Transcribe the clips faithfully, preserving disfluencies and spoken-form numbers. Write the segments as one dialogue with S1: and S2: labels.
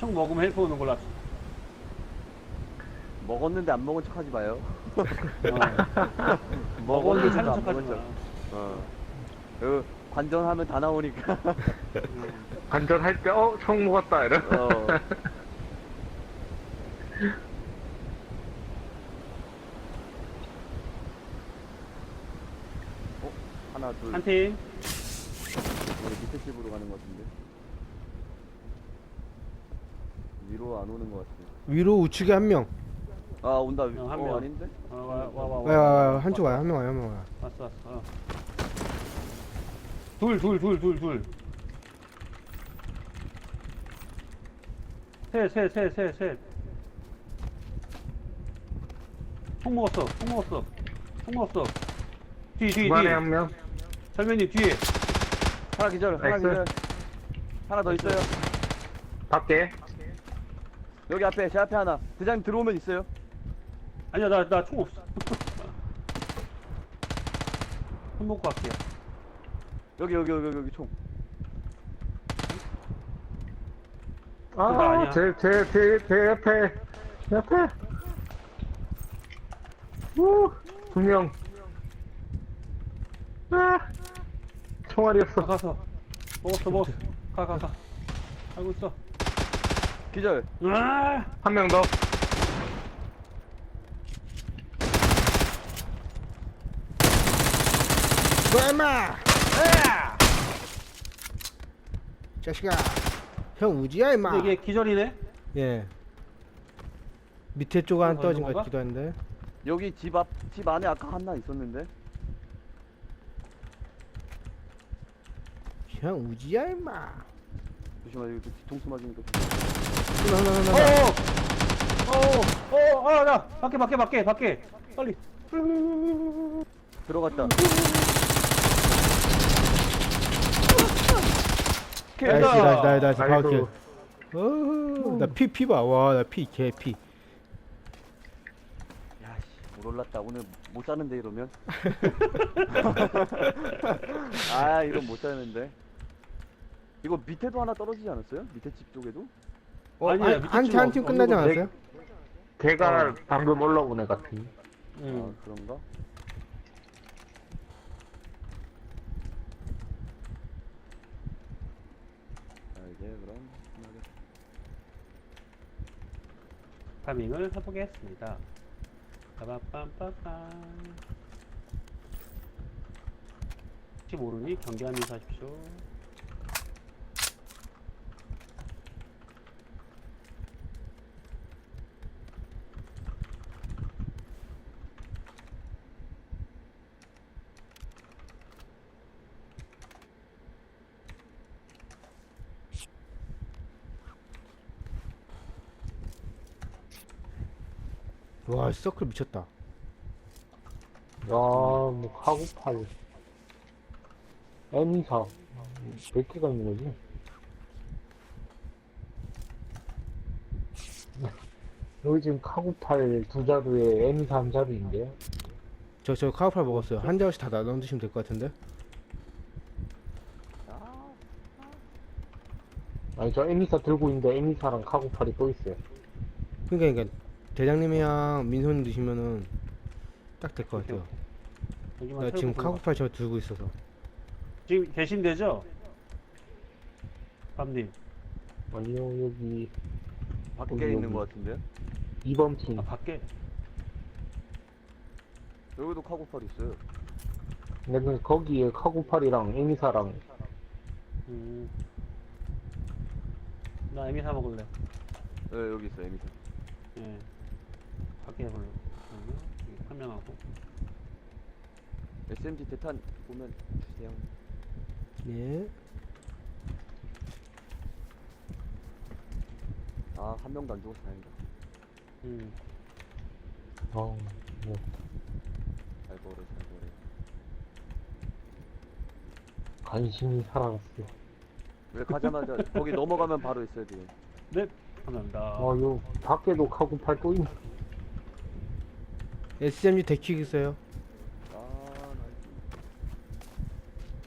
S1: 총 먹으면 헬프 오는 걸로 합시다.
S2: 먹었는데 안 먹은 척 하지 마요.
S1: 어. 먹었는데 사는 척 하지 마.
S2: 어. 그 관전하면 다 나오니까.
S1: 음.
S3: 관전할 때, 어, 총 먹었다, 이러.
S2: 어. 어? 하나, 둘.
S1: 한 팀.
S2: 우리 밑에 집으로 가는 것 같은데. 위로 안 오는 것 같아.
S4: 위로 우측에 한 명.
S2: 아, 온다.
S1: 어, 한
S2: 어,
S1: 명.
S2: 아닌데?
S1: 어, 와, 와, 와,
S4: 와요,
S1: 와.
S4: 와요. 한쪽 와요. 한 명 와요, 한 명 와요.
S1: 왔어, 왔어. 어. 둘, 둘, 둘, 둘, 둘. 셋, 셋, 셋, 셋, 셋. 총 먹었어, 총 먹었어. 총 먹었어. 뒤, 뒤,
S3: 중간에
S1: 뒤.
S3: 한 명.
S1: 설면님 뒤에.
S2: 하나 기절, 하나
S3: 나이스.
S2: 기절. 하나 더 있어요.
S3: 밖에.
S2: 여기 앞에, 제 앞에 하나. 대장님 들어오면 있어요.
S1: 아니야, 나, 나 총 없어. 총 먹고 갈게요.
S2: 여기, 여기, 여기, 여기 총.
S1: 그거
S3: 아,
S1: 아니야.
S3: 제, 제, 제, 제 옆에. 제 옆에. 우, 두 명. 아, 총알이
S1: 가,
S3: 없어.
S1: 가서. 먹었어, 먹었어. 가, 가, 가. 알고 있어.
S2: 기절.
S1: 으아!
S3: 한 명 더.
S4: 너 임마! 자식아. 형 우지야 임마.
S1: 근데 이게 기절이네?
S4: 예. 밑에 쪽에 한
S1: 어,
S4: 떨어진
S1: 건가?
S4: 것 같기도 한데.
S2: 여기 집 앞, 집 안에 아까 하나 있었는데.
S4: 형 우지야 임마.
S2: 조심하, 여기 또 뒤통수 맞으니까.
S4: 하나 하나 하나.
S1: 어, 어, 어, 아, 나 밖에, 밖에, 밖에, 밖에. 빨리.
S2: 들어갔다.
S4: 나이스 나이스 나이스 나이스
S3: 아이고.
S4: 바우킬. 어허. 나피 피 봐. 와 나 피 개 피.
S2: 야씨, 못 올랐다. 오늘 못 자는데 이러면. 아, 이건 못 자는데. 이거 밑에도 하나 떨어지지 않았어요? 밑에 집 쪽에도?
S4: 어,
S1: 아니야, 밑에
S4: 한팀
S1: 쪽
S4: 한 팀
S1: 없-
S4: 끝나지
S1: 없는 거
S4: 않았어요?
S3: 걔가
S1: 어.
S3: 방금 올라온 애 같은.
S1: 응.
S2: 아, 그런가? 자, 이제 그럼
S1: 파밍을 해보겠습니다. 빠밤빰빰빰. 혹시 모르니 경계하면서 하십시오.
S4: 와 서클 미쳤다.
S3: 야, 뭐, 카구팔. 엠사. 몇 개가 있는 거지? 여기 지금 카구팔 두 자루에 엠사 한 자루인데요?
S4: 저 저 카우팔 먹었어요. 한 자루씩 다 나눠 드시면 될 것 같은데.
S3: 아니, 저 엠사 들고 있는데 엠사랑 카구팔이 또 있어요.
S4: 그러니까 그러니까 대장님이랑 민소님 드시면은 딱 될 것 같아요.
S1: 여기만
S4: 나
S1: 털고
S4: 지금
S1: 들어가.
S4: 카우팔 저 들고 있어서.
S1: 지금 계신데죠? 밤님.
S3: 아니요, 여기
S2: 밖에
S3: 여기,
S2: 있는
S3: 여기.
S2: 것 같은데요?
S3: 이 번 팀.
S1: 아, 밖에.
S2: 여기도 카고팔 있어요.
S3: 근데 거기에 카구팔이랑 엠사랑
S1: 음. 나 에미 사 먹을래.
S2: 네, 여기 있어요, 에미사.
S1: 예. 밖에 해볼래. 그러면 여기 판명하고.
S2: 에스엠지 대탄 보면 주세요.
S4: 예.
S2: 아, 한 명도 안 죽어서 다행이다.
S1: 음.
S3: 어, 뭐.
S2: 잘 거래, 잘 거래.
S3: 간신히 살아갔어.
S2: 왜 가자마자 거기 넘어가면 바로 있어야 돼요.
S1: 네. 감사합니다.
S3: 아, 요 밖에도 카구팔 또 있네.
S4: 에스엠지 데킥 있어요.
S2: 아, 나이스.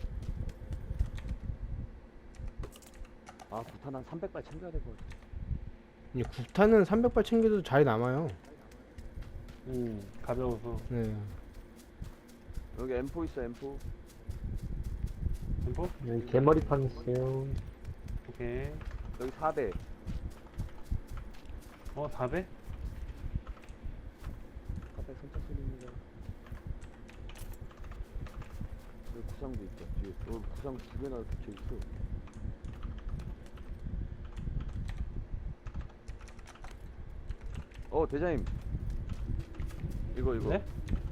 S2: 아, 부탄 한 삼백 발 챙겨야 될 것 같아.
S4: 이 구탄은 삼백 발 챙겨도 잘 남아요.
S1: 음, 가벼워서.
S4: 네.
S2: 여기 엠포 있어, 엠포.
S1: 템포?
S3: 여기 개머리판 있어요.
S1: 오케이.
S2: 여기 사 배.
S1: 어, 사 배?
S2: 사 배 선착순입니다. 여기 구상도 있다, 뒤에. 여기 구상 두 개나 붙여있어. 어, 대장님. 이거, 이거.
S1: 네?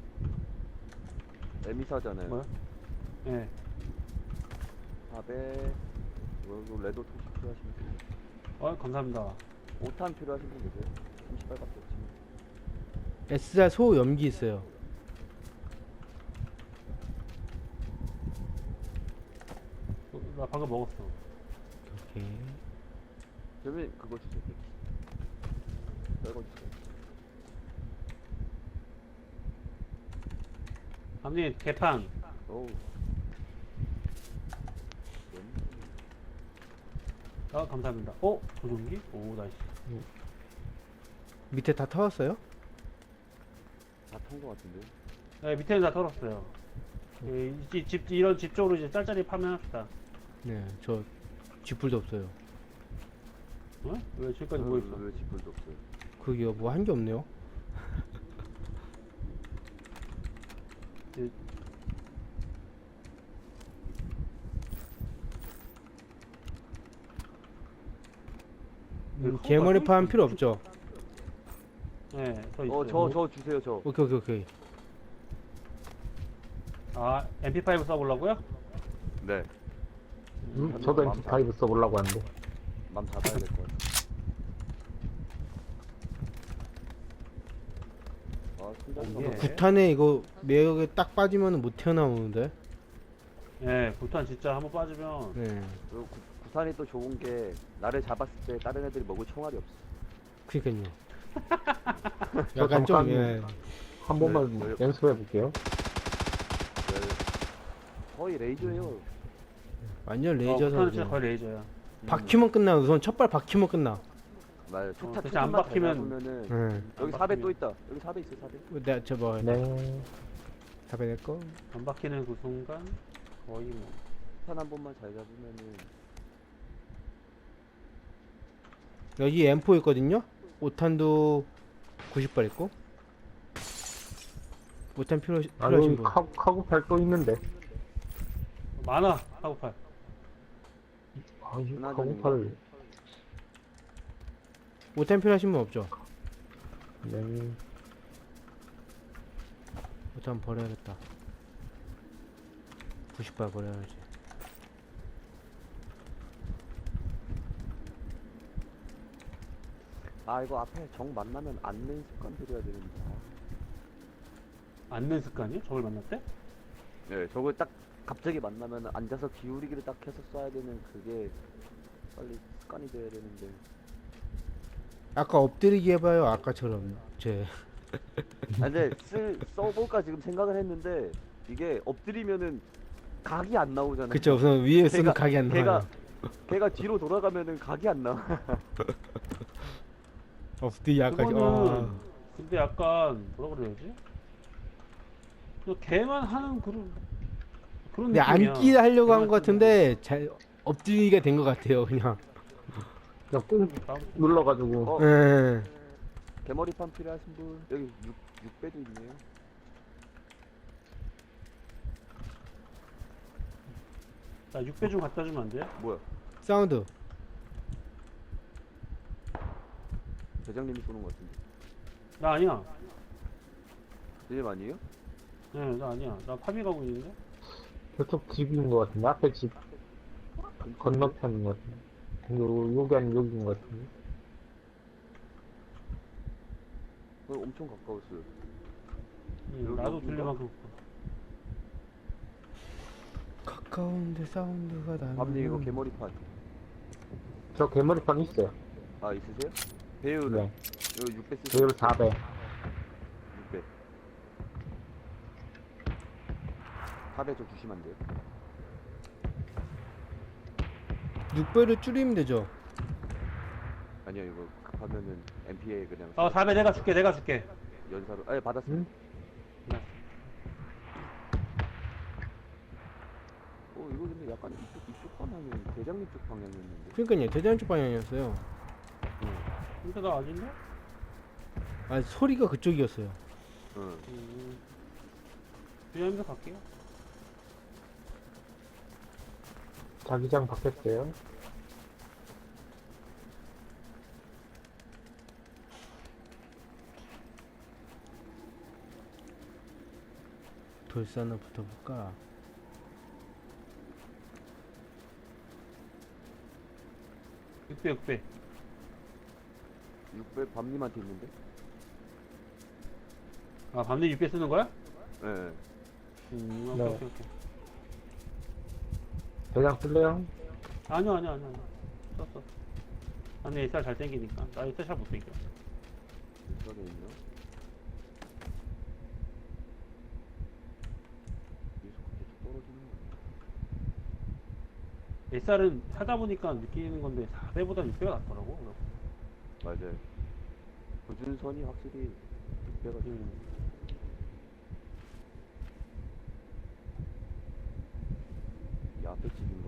S2: 에미사잖아요.
S1: 뭐야? 네.
S2: 사 배. 이거, 이거 레도 토시 필요하시면 돼요.
S1: 어, 감사합니다.
S2: 오 탄 필요하신 분 계세요? 삼십 발밖에 없지만.
S4: 에스알 소염기 있어요.
S1: 어, 나 방금 먹었어.
S4: 오케이.
S2: 그러면 그거 주세요. 이거 주세요.
S1: 감님, 개판.
S2: 어우.
S1: 아, 감사합니다. 어? 조종기? 오, 나이스.
S4: 밑에 다 터졌어요?
S2: 다탄거 같은데.
S1: 네, 밑에는 다 털었어요. 예, 이 집, 집, 이런 집 쪽으로 이제 짤짤이 파면합시다.
S4: 네, 저 쥐뿔도 없어요.
S1: 어? 왜 지금까지 뭐 있어?
S2: 왜 지플도 없어요?
S4: 그게요, 뭐 한 게 없네요.
S1: 예.
S4: 음, 개머리판 필요 없죠?
S1: 네, 저 있어요.
S2: 어, 저, 저 주세요, 저.
S4: 오케이, 오케이, 오케이.
S1: 아, 엠피파이브 써보려고요?
S2: 네.
S3: 음, 저도
S2: 맘
S3: 엠피파이브 써보려고 하는데.
S2: 맘 잡아야 될 것 같아. 아, 순간
S1: 예.
S4: 구탄에 이거 매력에 딱 빠지면 못 튀어나오는데.
S1: 네, 부탄 진짜 한번 빠지면
S4: 네.
S2: 그리고 구, 구산이 또 좋은 게 나를 잡았을 때 다른 애들이 먹을 총알이 없어.
S4: 그니까요.
S3: 저
S4: 약간 좀,
S3: 잠깐
S4: 예.
S3: 한 번만
S2: 네,
S3: 연습해 볼게요.
S2: 네. 거의 레이저예요.
S4: 완전
S1: 어,
S4: 레이저
S1: 부탄은 진짜
S4: 선수.
S1: 거의 레이저야.
S4: 박히면 끝나. 우선 첫 발 박히면 끝나.
S2: 말 초타
S1: 진짜 안
S2: 초타만
S1: 박히면-
S2: 보면은
S4: 네.
S2: 여기
S1: 안
S2: 사 배
S1: 박히면.
S2: 또 있다. 여기 사 배 있어, 사 배.
S4: 내가 저뭐
S3: 네.
S4: 답해 낼 거.
S1: 안 박히는 그 순간 거의 뭐.
S2: 탄 한 번만 잘 잡으면은
S4: 여기 엠포 있거든요. 오탄도 구십 발 있고. 오탄 필요
S3: 아,
S4: 필요하신
S3: 여기
S4: 분.
S3: 카, 카구팔 또 있는데.
S1: 많아, 하고팔.
S3: 아, 이
S2: 하나
S3: 카구팔.
S4: 오탄 필요하신 분 없죠?
S3: 네.
S4: 오탄 버려야겠다. 구십 발 버려야지.
S2: 아 이거 앞에 정 만나면 안는 습관 들여야 되는데.
S1: 앉는 습관이요? 저걸 만났대?
S2: 네, 저걸 딱 갑자기 만나면 앉아서 기울이기를 딱 해서 쏴야 되는 그게 빨리 습관이 돼야 되는데.
S4: 아까 엎드리기 해봐요. 아까처럼 제.
S2: 아 근데 쓸 써볼까 지금 생각을 했는데 이게 엎드리면은 각이 안 나오잖아요.
S4: 그쵸. 우선 위에 쓰면
S2: 걔가-
S4: 각이 안 나와요.
S2: 걔가 걔가 뒤로 돌아가면은 각이 안 나와.
S4: 엎드리기 아까.
S1: 그거는
S4: 아.
S1: 근데 약간 뭐라 그래야지? 그냥 걔만 하는 그런 그런
S4: 근데
S1: 느낌이야.
S4: 앉기 하려고 한
S1: 걔만
S4: 것 같은데 잘 엎드리기가 된 것 같아요. 그냥.
S3: 그냥 꾹
S1: 하는
S3: 눌러가지고.
S2: 어,
S4: 예.
S2: 개머리판 필요하신 분 여기 육, 육 배도 있네요.
S1: 나 육 배 좀 갖다 주면 안 돼요?
S2: 뭐야?
S4: 사운드.
S2: 대장님이 쏘는 것 같은데.
S1: 나 아니야.
S2: 대장님 아니에요?
S1: 네, 나 아니야. 나 파비 가고 있는데.
S3: 저쪽 집인 것 같은데. 앞에 집 건너편인 것 같은데. 요, 여기 아니면 여기인 것 같은데.
S2: 어, 엄청 가까웠어요.
S1: 응,
S2: 여기,
S1: 나도
S2: 여기인가?
S1: 들릴 만큼.
S4: 가까운데 사운드가 나는.
S2: 밤님 이거 개머리판.
S3: 저 개머리판 있어요.
S2: 아 있으세요? 배율은?
S3: 네.
S2: 이거 육 배 쓰세요.
S3: 배율 사 배.
S2: 육 배. 사 배 좀 주시면 안 돼요?
S4: 육 배를 줄이면 되죠.
S2: 아니 아니요 이거 급하면은 엠피에 그냥
S1: 어, 다음에 내가 줄게, 내가 줄게.
S2: 연사로 아 받았어요.
S3: 응?
S2: 어 이거 근데 약간 이쪽 이쪽 방향이 대장님 쪽 방향이었는데.
S4: 그러니까요, 대장 쪽 방향이었어요.
S1: 근데 나 아닌데?
S4: 아, 소리가 그쪽이었어요.
S2: 응.
S1: 음. 주연이서 갈게요.
S3: 자기장 바뀌었어요.
S4: 돌산을 붙어볼까?
S1: 육 배, 육 배.
S2: 육 배 밤님한테 있는데.
S1: 아, 밤새 육 배 쓰는 거야?
S2: 예. 네.
S1: 음, 오케이,
S3: 네.
S1: 오케이, 오케이.
S3: 대장 쓸래요?
S1: 아니요, 아니요, 아니요. 아니요. 썼어. 아니, 에스알 잘 땡기니까. 나 에스알 잘 못 땡겨.
S2: 인터넷 있나? 계속 계속 떨어지는 거.
S1: 에스알은 하다 보니까 느끼는 건데 사 배보다 육 배가 낫더라고. 그래서.
S2: 맞아요. 고준선이 확실히 육 배가 좀.
S1: 음.
S2: 이 앞에 집인가?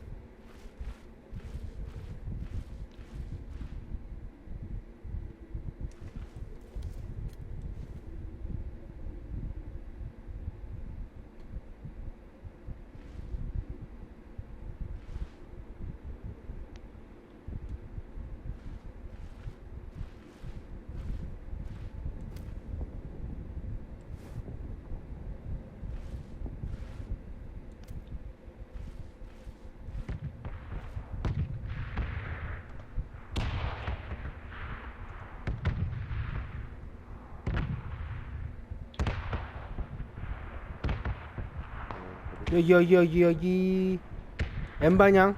S4: 여기, 여기, 여기, 여기. N방향.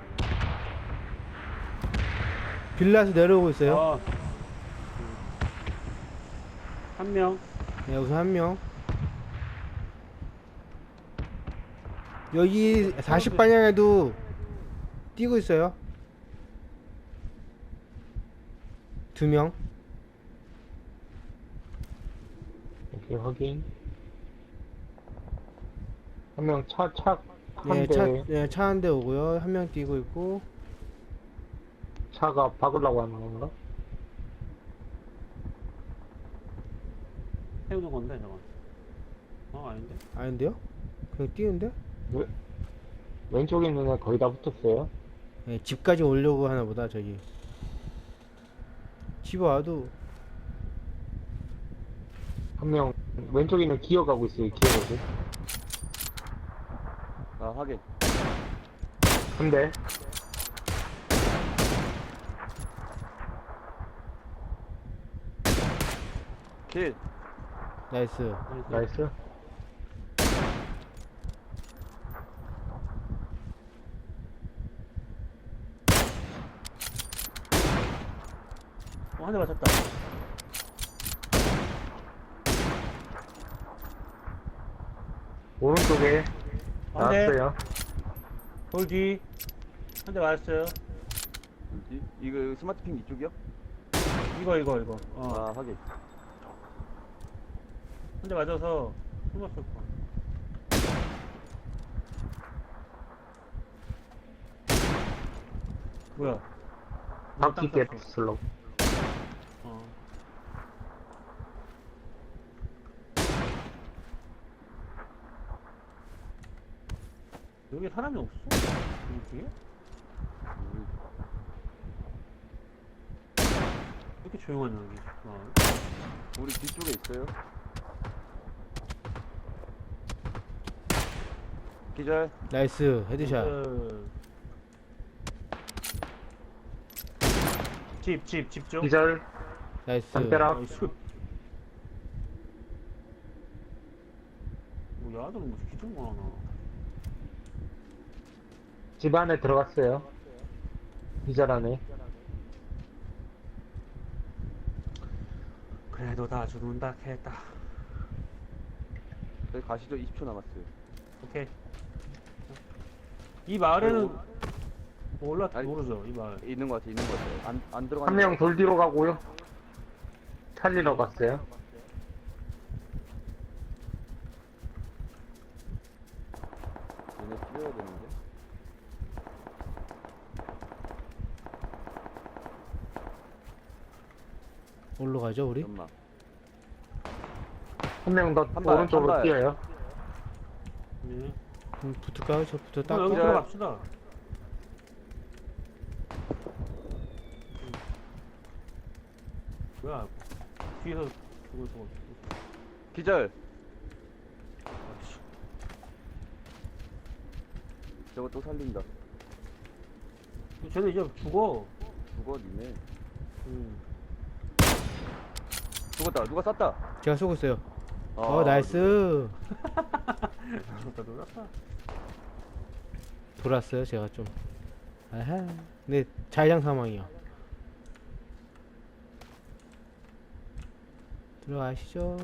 S4: 빌라에서 내려오고 있어요.
S1: 아. 한 명.
S4: 네, 여기서 한 명. 여기 사십 방향에도 뛰고 있어요. 두 명.
S3: 오케이, 확인. 한 명 차, 차, 한
S4: 네,
S3: 대,
S4: 차, 네, 차 한 대 오고요. 한 명 뛰고 있고.
S3: 차가 박으려고 하는 건가?
S1: 세우는 건데, 저건. 어, 아닌데?
S4: 아닌데요? 그냥 뛰는데?
S3: 왜? 왼쪽에 있는 애 거의 다 붙었어요.
S4: 네, 집까지 오려고 하나 보다, 저기. 집 와도.
S3: 한 명, 왼쪽에 있는 기어가고 있어요, 기어가고.
S2: 아 하긴.
S3: 한 대.
S2: 킬.
S4: 나이스.
S1: 나이스.
S3: 나이스.
S1: 어, 한 대 맞췄다.
S3: 오른쪽에
S1: 한 대.
S3: 나왔어요.
S1: 돌 뒤. 한 대 맞았어요.
S2: 뭐지? 이거 스마트핑 이쪽이요?
S1: 이거, 이거, 이거. 어.
S2: 아 하긴.
S1: 한 대 맞아서 숨었을 거. 뭐야?
S3: 바퀴
S1: 땅 쳤어.
S3: 깼슬로.
S1: 어. 여기 사람이 없어? 여기 뒤에?
S2: 음,
S1: 왜 이렇게 조용하냐 여기. 어.
S2: 우리 뒤쪽에 있어요. 기절.
S4: 나이스. 헤드샷.
S1: 그... 집, 집, 집 쪽.
S3: 기절,
S4: 나이스.
S3: 담벼락.
S1: 나이스. 뭐 야들은 무슨 기둥 하나.
S3: 집 안에 들어갔어요. 기절 안에.
S1: 그래도 다 죽는다 했다.
S2: 저희 가시죠. 이십 초 남았어요.
S1: 오케이. 이 마을에는 올라
S2: 아니,
S1: 모르죠 이 말.
S2: 있는 것 같아, 있는 것 같아. 안, 안 들어가는
S3: 한 명 돌 뒤로 가고요. 살리러 갔어요.
S2: 얘네 뛰어야 되는데.
S4: 어디로 가죠 우리?
S2: 연막.
S3: 한 명 더
S2: 한 발,
S3: 오른쪽으로
S2: 한 발.
S3: 뛰어요.
S1: 네.
S4: 음, 붙을까요? 저 붙어
S1: 어,
S4: 딱.
S1: 여기
S2: 기절.
S1: 들어갑시다. 뭐야? 뒤에서 죽을 수가 없어.
S2: 기절.
S1: 아이씨.
S2: 저거 또 살린다.
S1: 쟤는 이제 죽어.
S2: 죽어, 니네.
S1: 음.
S2: 죽었다. 누가 쐈다.
S4: 제가 쏘고 있어요.
S2: 아,
S4: 어 나이스.
S1: 죽었다 놀랐다.
S4: 돌았어요 제가 좀. 아하. 근데 자의장 사망이요. 들어가시죠.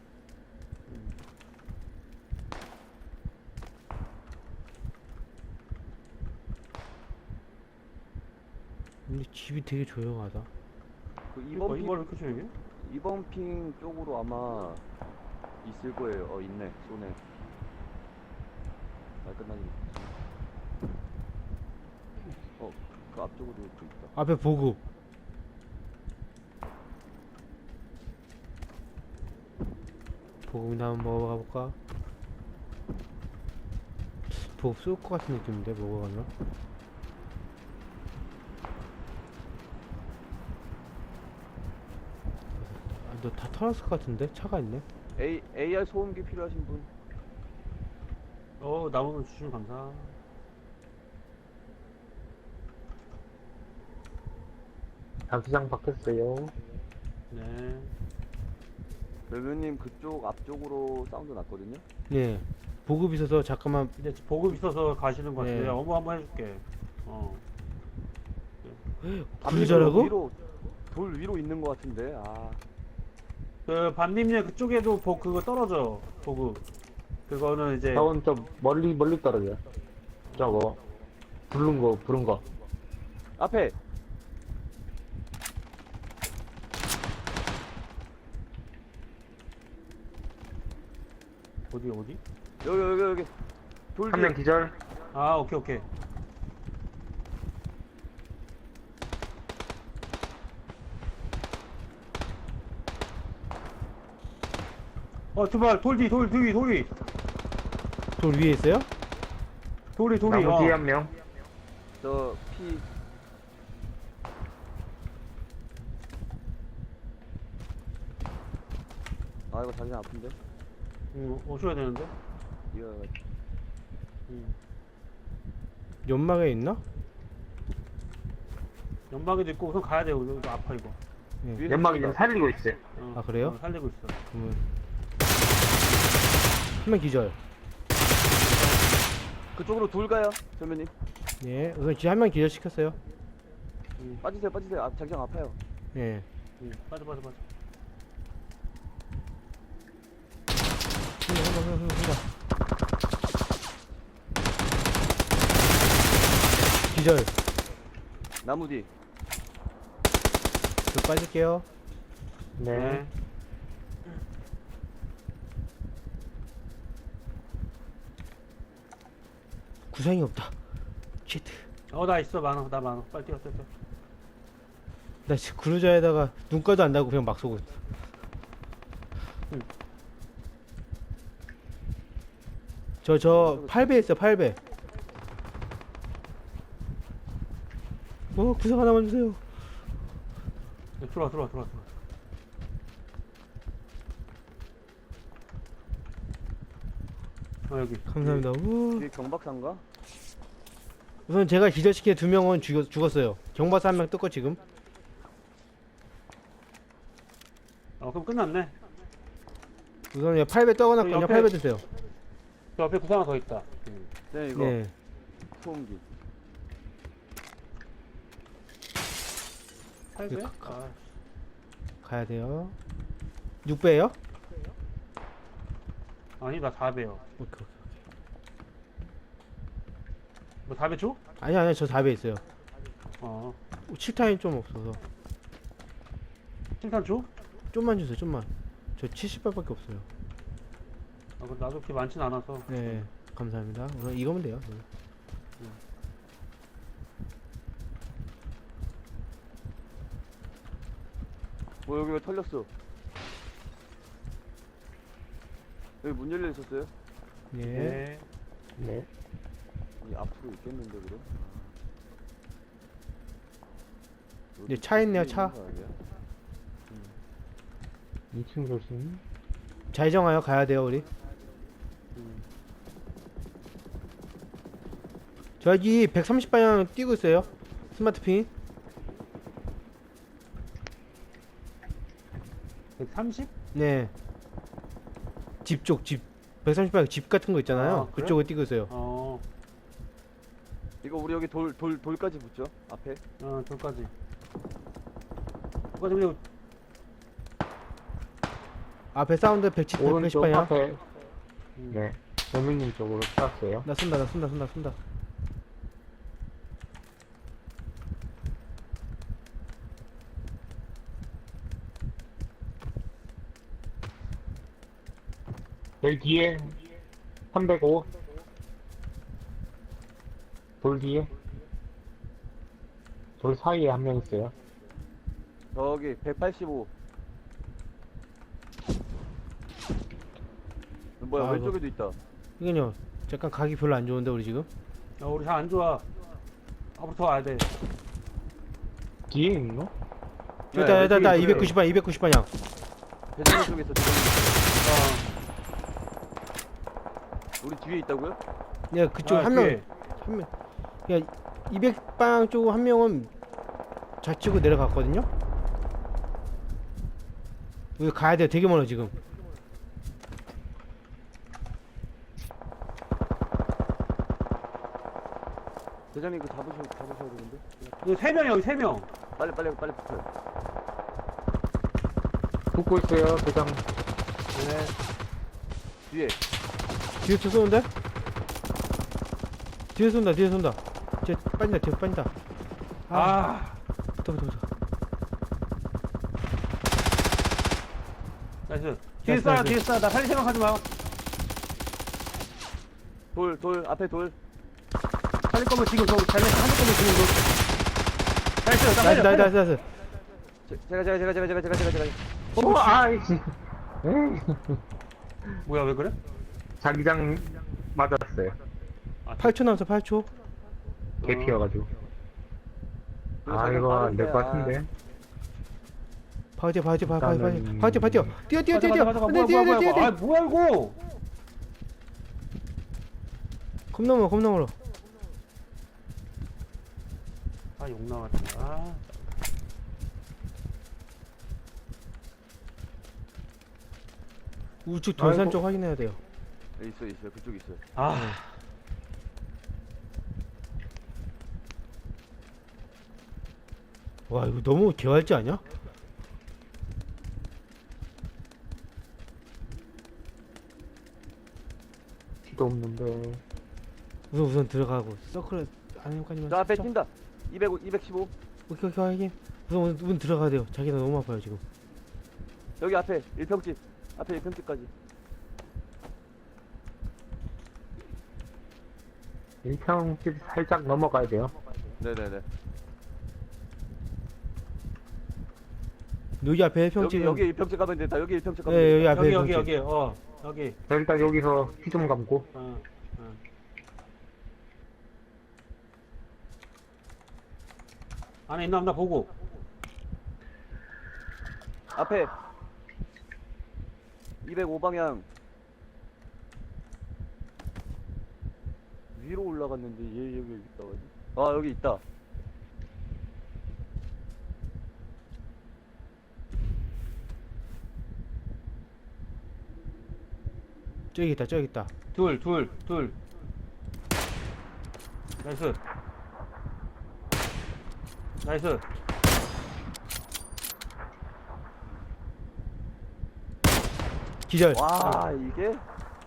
S4: 근데 집이 되게 조용하다.
S2: 그
S1: 이번
S2: 이번 핑,
S1: 이번 이렇게 조용해?
S2: 이번 핑 쪽으로 아마 있을 거예요. 어, 있네. 쏘네. 말 끝나기. 어, 그 앞쪽으로 또 있다.
S4: 앞에 보급. 보급이나 한번 먹어가 볼까? 보급 쏠 것 같은 느낌인데 먹어가면. 아, 너 다 털었을 것 같은데? 차가 있네?
S2: A, 에이알 소음기 필요하신 분?
S1: 어 나무는 주시면 감사.
S3: 자기장 바뀌었어요.
S1: 네.
S2: 벨브님 그쪽 앞쪽으로 사운드 났거든요?
S4: 네. 보급 있어서 잠깐만.
S1: 근데 보급 있어서 가시는 것 같아.
S4: 네.
S1: 내가 어머 한번 해줄게. 어.
S4: 굴절하고?
S2: 위로, 돌 위로 있는 것 같은데, 아.
S1: 그 반님네 그쪽에도 보 그거 떨어져. 보급. 그거는 이제
S3: 저건 좀 멀리 멀리 떨어져요. 저거 부른 거 부른 거.
S2: 앞에!
S1: 어디 어디?
S2: 여기, 여기, 여기. 돌
S3: 한
S2: 뒤에.
S3: 명 기절.
S1: 아 오케이 오케이. 어 두발 돌디 돌 뒤 돌이
S4: 돌 위에 있어요?
S1: 돌이 돌이
S3: 나무
S1: 어.
S3: 뒤에 한 명.
S2: 저, 피. 아, 이거 자기장 아픈데?
S1: 응, 오셔야 되는데.
S2: 이거,
S1: 응.
S4: 연막에 있나?
S1: 연막에도 있고 우선 가야 돼요. 이거 아파 이거.
S4: 네.
S2: 위에서
S3: 연막이
S2: 쏜다.
S3: 지금 살리고 있어요.
S1: 어,
S4: 아, 그래요?
S1: 어, 살리고 있어.
S4: 그러면 한 명 기절.
S2: 그쪽으로 돌 가요, 선배님.
S4: 예. 우선 지금 한 명 기절 시켰어요.
S1: 응,
S2: 빠지세요, 빠지세요. 아, 자기장 아파요.
S4: 예.
S1: 응. 빠져 빠져 빠져.
S4: 한명 한명 한명 한명. 기절.
S2: 나무 뒤.
S4: 저 빠질게요.
S3: 네.
S1: 네.
S4: 구상이 없다. 치트.
S1: 어나 있어 많아 나 많아. 빨리 뛰어 뛰어 뛰어.
S4: 나 지금 그루저에다가 눈가도 안 달고 그냥 막 쏘고 있어.
S1: 응.
S4: 저, 저, 팔 배 있어, 팔 배. 어, 구상 하나만 주세요.
S1: 네, 들어와 들어와 들어와 들어와. 어 여기.
S4: 감사합니다. 우.
S2: 뒤에 경박사인가?
S4: 우선 제가 기절시킨 두 명은 죽, 죽었어요. 경박사 한 명 떴고 지금.
S1: 어 그럼 끝났네.
S4: 우선 팔 배 떠거나
S1: 그
S4: 그냥
S1: 옆에-
S4: 팔 배 드세요.
S1: 그 옆에 구상 하나 더 있다. 응.
S2: 네, 이거.
S4: 네.
S2: 소음기.
S1: 팔 배?
S4: 가- 가-
S1: 아,
S4: 가야 돼요. 육 배요?
S1: 아니 나 사 배요.
S4: 오케이, 오케이.
S1: 뭐 사 배 줘?
S4: 아니, 아니, 저 사 배 있어요.
S1: 어.
S4: 칠탄이 좀 없어서.
S1: 칭찬 줘?
S4: 좀만 주세요, 좀만. 저 칠십 발밖에 없어요.
S1: 아, 그 나도 그렇게 많진 않아서.
S4: 네, 감사합니다. 우선 이거면 돼요. 네.
S2: 뭐 여기 왜 털렸어? 여기 문 열려 있었어요?
S4: 네.
S1: 네.
S3: 네.
S2: 이 앞으로 있겠는데 그럼? 아.
S4: 네, 차 있네요, 차.
S2: 있는 거 아니야?
S3: 이 층 조심.
S4: 좌회전하여 가야 돼요, 우리.
S1: 음.
S4: 저 여기 백삼십 방향 뛰고 있어요. 스마트 핀.
S1: 백삼십?
S4: 네. 집 쪽, 집. 백삼십 방향 집 같은 거 있잖아요.
S1: 아, 그래?
S4: 그쪽에 뛰고 있어요.
S1: 어.
S2: 이거 우리 여기 돌, 돌, 돌까지 붙죠? 앞에?
S1: 어, 저까지. 저까지 그냥
S4: 앞에 사운드 백십, 백십
S3: 오른쪽
S4: 방향.
S3: 앞에,
S1: 음.
S3: 네. 여민님 쪽으로 쐈어요.
S4: 나 쏜다, 나 쏜다, 쏜다, 쏜다.
S3: 여기 뒤에 삼백오. 돌 뒤에. 돌 사이에 한 명 있어요.
S2: 저기 백팔십오. 뭐야
S4: 아,
S2: 왼쪽에도 있다.
S4: 이건요. 잠깐 각이 별로 안 좋은데, 우리 지금.
S1: 야, 우리 잘 안 좋아. 앞으로 더 와야 돼.
S3: 뒤에 있노?
S2: 네,
S4: 여기다, 여기다, 나
S2: 왼쪽에
S4: 이백구십 방향, 이백구십 방향.
S2: 대전이 쪽에 있어. 대전이.
S1: 어.
S2: 우리 뒤에 있다고요?
S4: 네, 그쪽
S1: 아,
S4: 한 명,
S1: 뒤에.
S4: 한 명. 야, 이백 방향 쪽 한 명은 좌측으로 내려갔거든요? 여기 가야 돼요. 되게 멀어, 지금.
S2: 대장님 그 잡으셔 잡으셔야 되는데.
S1: 여기 세 명이야, 여기 세 명.
S2: 빨리 빨리 빨리 붙어요.
S3: 붙고 있어요, 대장.
S1: 네.
S2: 뒤에.
S4: 뒤에서 쏘는데? 뒤에 쏜다, 뒤에 쏜다. 뒤에 빠진다, 뒤에 빠진다. 아,
S1: 아.
S4: 붙어, 붙어, 붙어.
S1: 나이스. 뒤에
S4: 나이스,
S1: 쏴,
S4: 나이스.
S1: 뒤에 쏴. 나 살릴 생각하지 마.
S2: 돌 돌 앞에 돌.
S1: 살릴 거면 지금 저 살릴 살릴 거면 지금 너. 나이스, 나
S4: 나이스,
S1: 살려.
S4: 나이스,
S1: 살려.
S4: 나이스, 나이스.
S2: 제, 제가 제가 제가 제가 제가 제가 제가 제가.
S3: 어, 아이씨. 에이.
S1: 뭐야, 왜 그래?
S3: 자기장 맞았어요.
S4: 팔 초 남았어, 팔 초.
S3: 개 피어가지고. 아, 이거 안 될 것 같은데.
S4: 바로 뛰어, 바로 뛰어, 바로 바로 바로
S3: 일단은-
S4: 바로 뛰어, 바로 뛰어. 뛰어, 뛰어, 뛰어, 뛰어.
S1: 가자, 가자,
S4: 안 돼,
S1: 가자.
S4: 뛰어,
S1: 뭐야,
S4: 뛰어,
S1: 뭐야,
S4: 뛰어,
S1: 뭐야. 아,
S4: 뛰어.
S1: 뭐야 이거?
S4: 겁나 멀어, 겁나 멀어.
S1: 아, 욕 나왔다. 아.
S4: 우측 돌산
S3: 아이고.
S4: 쪽 확인해야 돼요.
S2: 네, 있어 있어 그쪽 있어요.
S1: 아.
S4: 와, 이거 너무 개활지 아니야?
S3: 피도 없는데.
S4: 우선 우선 들어가고 서클 안에까지만.
S2: 저 앞에
S4: 살짝.
S2: 뛴다. 이백 이백십오.
S4: 오케이, 오케이, 확인. 우선 우선 문 들어가야 돼요. 자기가 너무 아파요 지금.
S2: 여기 앞에 일평집. 앞에 일평집까지.
S3: 일평집 살짝 넘어가야 돼요.
S2: 네네네.
S4: 여기 앞에 평
S2: 여기
S4: 지금.
S2: 여기 일평집 가면 된다. 여기 일평집 가면
S4: 네,
S2: 된다.
S4: 여기 앞에
S1: 여기 여기
S4: 평집.
S1: 여기. 어. 여기.
S3: 자, 일단 여기서 피 좀 감고.
S1: 어. 어. 안에 있나 없나 보고.
S2: 앞에 이백오 방향 위로 올라갔는데 얘 여기 있다 가지. 아 여기 있다.
S4: 저기 있다, 저기 있다.
S1: 둘, 둘, 둘. 나이스. 나이스.
S4: 기절.
S2: 와 이게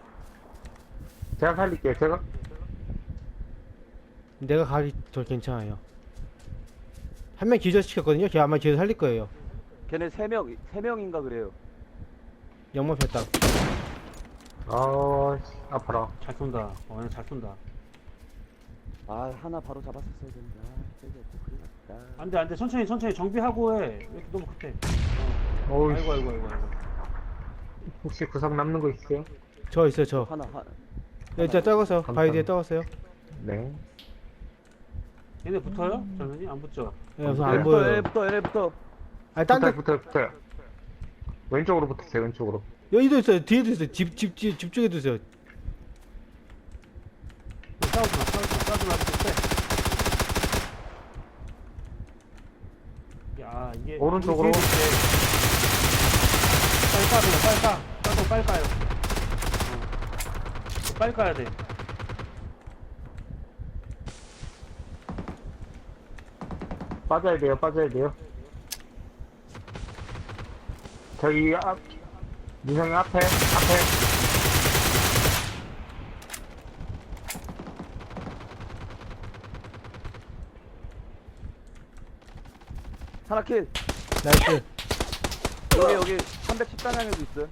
S3: 제가 살릴게요. 제가.
S4: 내가 가기 더 괜찮아요. 한 명 기절시켰거든요. 걔 아마 기절 살릴 거예요.
S2: 걔네 세 명, 세 명인가 그래요.
S4: 영만 폈다.
S3: 아, 씨, 아파라.
S1: 잘 쏜다. 어, 얘는 잘 쏜다.
S2: 아, 하나 바로 잡았었어야 되는데. 아, 저기 큰일 났다.
S1: 안 돼, 안 돼. 천천히, 천천히 정비하고 해. 왜 이렇게 너무 급해. 어.
S3: 어우,
S1: 아이고, 아이고, 아이고, 아이고.
S3: 혹시 구상 남는 거 있어요?
S4: 저 있어요, 저.
S2: 하나, 하나.
S4: 네, 일단 떨궜어요. 바위 뒤에 떨궜어요.
S3: 네.
S1: 얘네 붙어요? 저는이 안 붙죠?
S4: 네, 우선
S3: 네.
S4: 안
S2: 얘부터,
S4: 보여요.
S2: 얘부터, 얘부터.
S4: 아니, 딴 데,
S3: 붙어요, 붙어요, 붙어요. 왼쪽으로 붙으세요, 왼쪽으로.
S4: 여기도 있어요. 뒤에도 있어요. 집, 집, 집, 집 쪽에도 있어요.
S1: 싸우지 마, 싸우지 마, 싸우지 말고 빼. 야, 이게.
S3: 오른쪽으로.
S1: 우리 뒤에도 있대. 빨리 까, 그냥 빨리 까. 까도 빨리 까요. 어. 빨리 까야 돼.
S3: 빠져야 돼요, 빠져야 돼요. 저기 앞, 민성이 앞에, 앞에.
S2: 하나 킬.
S4: 나이스.
S2: 여기, 여기 삼백십 단향에도 있어요.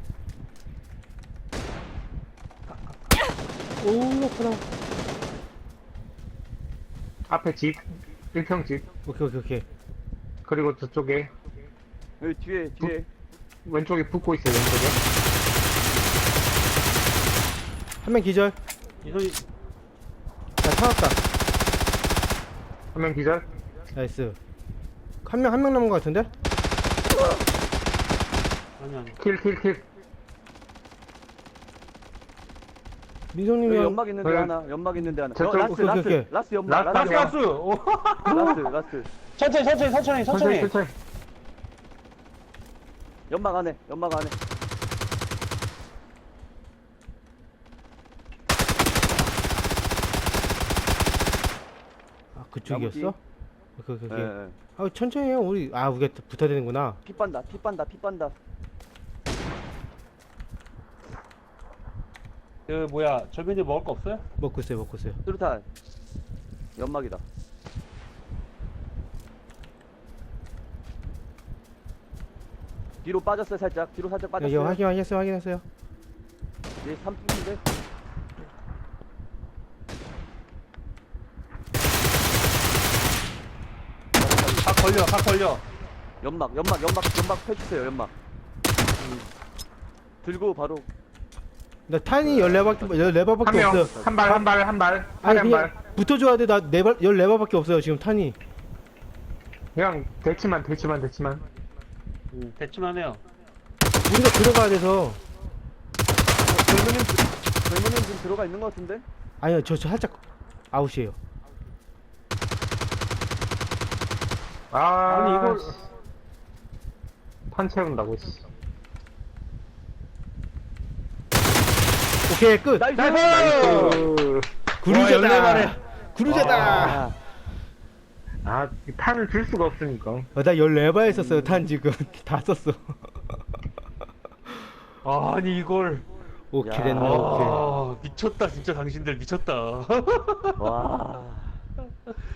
S4: 오, 그렇구나.
S3: 앞에 집, 일 평 집.
S4: 오케이, 오케이, 오케이.
S3: 그리고 저쪽에,
S2: 여기 뒤에, 뒤에.
S3: 왼쪽에 붙고 있어요, 왼쪽에.
S4: 한 명 기절.
S1: 이선이,
S4: 나 찾았다.
S3: 한 명 기절.
S4: 나이스. 한 명, 한 명 남은 것 같은데?
S1: 아니, 아니.
S3: 킬, 킬, 킬.
S4: 민성님이
S2: 여기
S4: 형.
S2: 연막 있는데
S3: 네.
S2: 하나, 연막 있는데 하나.
S3: 저쪽,
S2: 어, 라스,
S4: 오케이,
S2: 라스,
S4: 오케이, 오케이.
S2: 라스 연막,
S3: 라스,
S2: 라스,
S1: 가스,
S2: 연막.
S1: 가스! 오.
S2: 라스, 라스.
S1: 천천히, 천천히, 천천히,
S3: 천천히,
S1: 천천히.
S3: 천천히.
S2: 연막 안에, 연막 안에.
S4: 아, 그쪽이었어? 오케이, 오케이, 오케이.
S2: 예, 예.
S4: 아, 천천히 해요. 우리, 아, 우리가 붙어야 되는구나.
S2: 피 빤다, 피 빤다, 피 빤다.
S1: 그, 뭐야, 절면이 먹을 거 없어요?
S4: 먹고 있어요, 먹고 있어요.
S2: 수류탄. 연막이다. 뒤로 빠졌어요, 살짝. 뒤로 살짝
S4: 여기
S2: 빠졌어요.
S4: 확인, 확인했어요, 확인했어요.
S2: 얘 삼 분인데.
S1: 각 걸려, 각 걸려.
S2: 연막, 연막, 연막, 연막 펴주세요, 연막. 음. 들고 바로.
S4: 나 탄이 열네 발밖에, 열네
S3: 한
S4: 발밖에
S3: 명,
S4: 없어요.
S3: 한 발, 한 발, 한 발.
S4: 아니,
S3: 한 발.
S4: 그냥 붙어줘야 돼. 나네 발, 열네 발밖에 없어요, 지금 탄이.
S3: 그냥 대치만, 대치만, 대치만.
S1: 음, 대충만 해요.
S4: 우리가 들어가야 돼서.
S2: 젊은님, 들- 젊은님 지금 들어가 있는 것 같은데?
S4: 아니요, 저, 저 살짝 아웃이에요.
S3: 아,
S1: 아니, 이걸-
S3: 씨. 판 채운다고, 씨.
S4: 오케이, 끝.
S2: 나이스!
S3: 나이스.
S4: 구루자다. 구루자다.
S2: 와.
S3: 아, 이 판을 줄 수가 없으니까.
S4: 어, 나 열네 발 했었어요, 탄 지금. 다 썼어.
S1: 아니, 이걸.
S4: 오케이,
S2: 야.
S4: 됐네, 오케이.
S1: 아, 미쳤다, 진짜 당신들 미쳤다.
S2: 와.